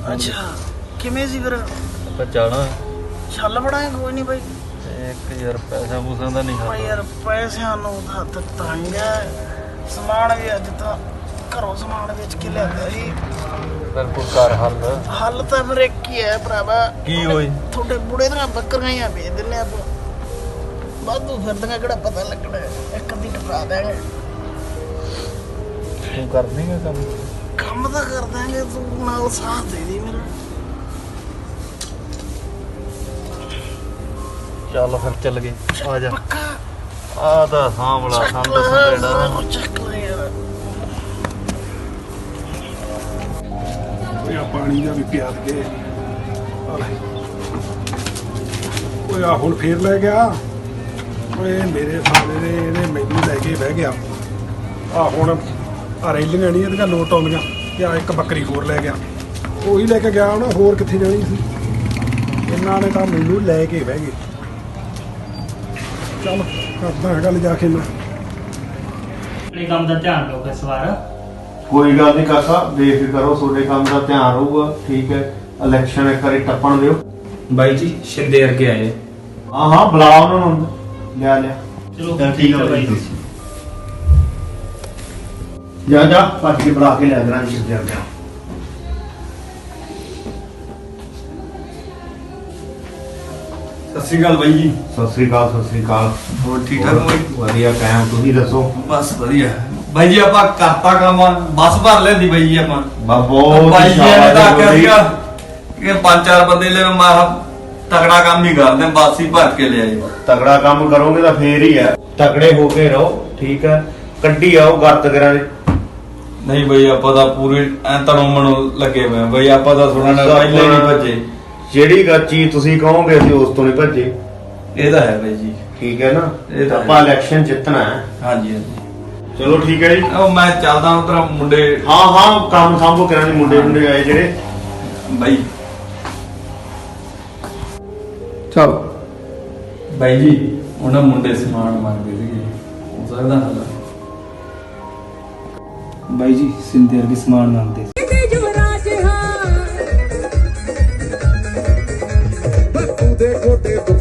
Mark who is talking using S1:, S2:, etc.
S1: ਅੱਛਾ ਕਿਵੇਂ ਸੀ ਫਿਰ?
S2: ਆਪਾਂ ਜਾਣਾ
S1: ਛੱਲ ਬੜਾਏ ਕੋਈ ਨਹੀਂ ਬਾਈ।
S2: ਇੱਕ ਯਾਰ ਪੈਸਾ ਪੂਸਾ ਦਾ ਨਹੀਂ
S1: ਭਾਈ ਯਾਰ ਪੈਸਿਆਂ ਨੂੰ ਹੱਥ ਤੰਗ ਹੈ। ਸਮਾਨ ਵੀ ਅੱਜ ਤਾਂ ਘਰੋਂ ਸਮਾਨ ਵੇਚ ਕੇ ਲਿਆਂਦਾ ਸੀ।
S2: ਫਿਰ ਕੋਈ ਘਰ
S1: ਹੱਲ ਤਾਂ ਫਿਰ ਇੱਕ ਹੀ ਹੈ ਭਰਾਵਾ।
S2: ਕੀ ਹੋਈ?
S1: ਤੁਹਾਡੇ ਬੁੜੇ ਦੀਆਂ ਬੱਕਰੀਆਂ ਵੇਚ ਦਿੰਦੇ ਆਪਾਂ। ਵਾਧੂ ਫਿਰਦੀਆਂ ਕਿਹੜਾ ਪਤਾ ਲੱਗਣਾ। ਇੱਕ ਅੱਧੀ ਟਪਾ ਦੇਂਗੇ।
S2: ਤੂੰ ਕਰ ਦੇਂਗਾ
S1: ਕੰਮ ਤਾਂ ਕਰ ਦਾਂਗੇ, ਤੂੰ ਨਾਲ ਸਾਥ ਦੇ ਦੀ ਮੇਰਾ।
S2: ਚੱਲ ਫਿਰ ਚੱਲ ਗਏ। ਆ ਜਾ
S1: ਪੱਕਾ
S2: ਆ ਤਾਂ ਸਾਂਭਲਾ ਸੰਦ ਸੰਦੇੜਾ
S1: ਚੱਕ ਲੈ ਯਾਰ।
S3: ਓਏ ਆ ਪਾਣੀ ਦਾ ਵੀ ਪਿਆ ਕੇ ਓਏ ਆ ਹੁਣ ਫੇਰ ਲੈ ਗਿਆ। ਓਏ ਮੇਰੇ ਸਾਲੇ ਨੇ ਇਹਨੇ ਮੈਨੂੰ ਲੈ ਕੇ ਬਹਿ ਗਿਆ। ਆ ਹੁਣ ਆ ਰੈਲੀਆਂ ਨਹੀਂ ਇਹਦੀਆਂ ਲੋਟ ਆਉਂਦੀਆਂ ਕਿ ਆ ਇੱਕ ਬੱਕਰੀ ਹੋਰ ਲੈ ਗਿਆ। ਉਹੀ ਲੈ ਕੇ ਗਿਆ ਹੁਣ, ਹੋਰ ਕਿੱਥੇ ਜਾਣੀ ਸੀ। ਇਹਨਾਂ ਨੇ ਤਾਂ ਮੈਨੂੰ ਲੈ ਕੇ ਬਹਿ ਗਏ। ਚੱਲ ਕਰਦਾ ਗੱਲ ਜਾ ਕੇ ਮੈਂ।
S4: ਆਪਣੇ ਕੰਮ ਦਾ ਧਿਆਨ ਰੱਖੋ ਇਸ ਵਾਰ।
S5: ਕੋਈ ਗੱਲ ਨਹੀਂ ਕਾਕਾ, ਬੇਫਿਕਰ ਕਰੋ, ਤੁਹਾਡੇ ਕੰਮ ਦਾ ਧਿਆਨ ਰਹੂਗਾ। ਠੀਕ ਹੈ, ਇਲੈਕਸ਼ਨ ਇੱਕ ਵਾਰੀ ਟੱਪਣ ਦਿਓ।
S6: ਬਾਈ ਜੀ ਸ਼ਿੰਦੇ ਵਰਗੇ ਆਏ।
S5: ਹਾਂ ਹਾਂ ਬੁਲਾ ਉਹਨਾਂ ਨੂੰ, ਲਿਆ
S4: ਚਲੋ
S5: ਠੀਕ ਹੈ ਬਾਈ। ਜਾ ਭੱਜ ਕੇ ਬੁਲਾ ਕੇ ਲੈ ਦੇਣਾ ਜੀ ਜਾ।
S6: ਸਤਿ ਸ਼੍ਰੀ ਅਕਾਲ ਬਾਈ ਜੀ।
S5: ਸਤਿ ਸ੍ਰੀ ਅਕਾਲ।
S6: ਹੋਰ ਠੀਕ ਠਾਕ ਬਾਈ?
S5: ਵਧੀਆ ਕਾਇਮ, ਤੁਸੀਂ ਦੱਸੋ?
S6: ਬਸ ਵਧੀਆ ਬਾਈ ਜੀ। ਆਪਾਂ ਕਰਤਾ ਕੰਮ, ਬੱਸ ਭਰ ਲੈਂਦੀ ਬਾਈ ਜੀ ਆਪਾਂ।
S5: ਬਹੁਤ
S6: ਬਾਈ ਜੀ ਨੇ ਤਾਂ ਆਖਿਆ ਸੀਗਾ ਕਿ 5-4 ਬੰਦੇ ਲੈ ਮੈਂ ਤਗੜਾ ਕੰਮ ਹੀ ਕਰਦੇ, ਬੱਸ ਹੀ ਭਰ ਕੇ ਲਿਆਈ।
S5: ਤਗੜਾ ਕੰਮ ਕਰੋਗੇ ਤਾਂ ਫੇਰ ਹੀ ਹੈ। ਤਗੜੇ ਹੋ ਕੇ ਰਹੋ, ਠੀਕ ਹੈ। ਕੱਢੀ ਆਓ ਗਰਤ ਕਰਾਂ ਦੇ।
S6: ਨਹੀਂ ਬਾਈ ਆਪਾਂ ਤਾਂ ਪੂਰੇ ਐ ਤਣੋਂ ਮਣੋਂ ਲੱਗੇ ਹੋਏ ਬਾਈ। ਆਪਾਂ ਤਾਂ ਥੋੜਾ ਨਾ ਪਹਿਲੇ ਨਹੀਂ ਭੱਜੇ।
S5: ਜਿਹੜੀ ਗੱਲ ਚੀਜ਼ ਤੁਸੀਂ ਕਹੋਗੇ ਅਸੀਂ ਉਸ ਤੋਂ ਨਹੀਂ ਭੱਜੇ।
S6: ਇਹ ਤਾਂ ਹੈ ਬਾਈ ਜੀ।
S5: ਠੀਕ ਹੈ ਨਾ,
S6: ਇਹ ਤਾਂ
S5: ਆਪਾਂ ਇਲੈਕਸ਼ਨ ਜਿੱਤਣਾ ਹੈ।
S6: ਹਾਂਜੀ ਹਾਂਜੀ
S5: ਚਲੋ ਠੀਕ ਹੈ ਜੀ।
S6: ਉਹ ਮੈਂ ਚੱਲਦਾ ਉਧਰ ਮੁੰਡੇ।
S5: ਹਾਂ ਕੰਮ ਸੰਭੋ ਕਰਾਂ ਦੇ ਮੁੰਡੇ ਆਏ ਜਿਹੜੇ।
S6: ਬਾਈ
S3: ਚੱਲ
S6: ਬਾਈ ਜੀ ਉਹਨਾਂ ਮੁੰਡੇ ਸਮਾਨ ਮੰਗਦੇ ਸੀਗੇ, ਹੋ ਸਕਦਾ ਹੱਲ?
S7: ਬਾਈ ਜੀ ਸਿੰਦੇ ਵਰਗੇ ਸਮਾਨ ਮੰਗਦੇ
S8: ਬਾਪੂ ਦੇ ਗੋਡੇ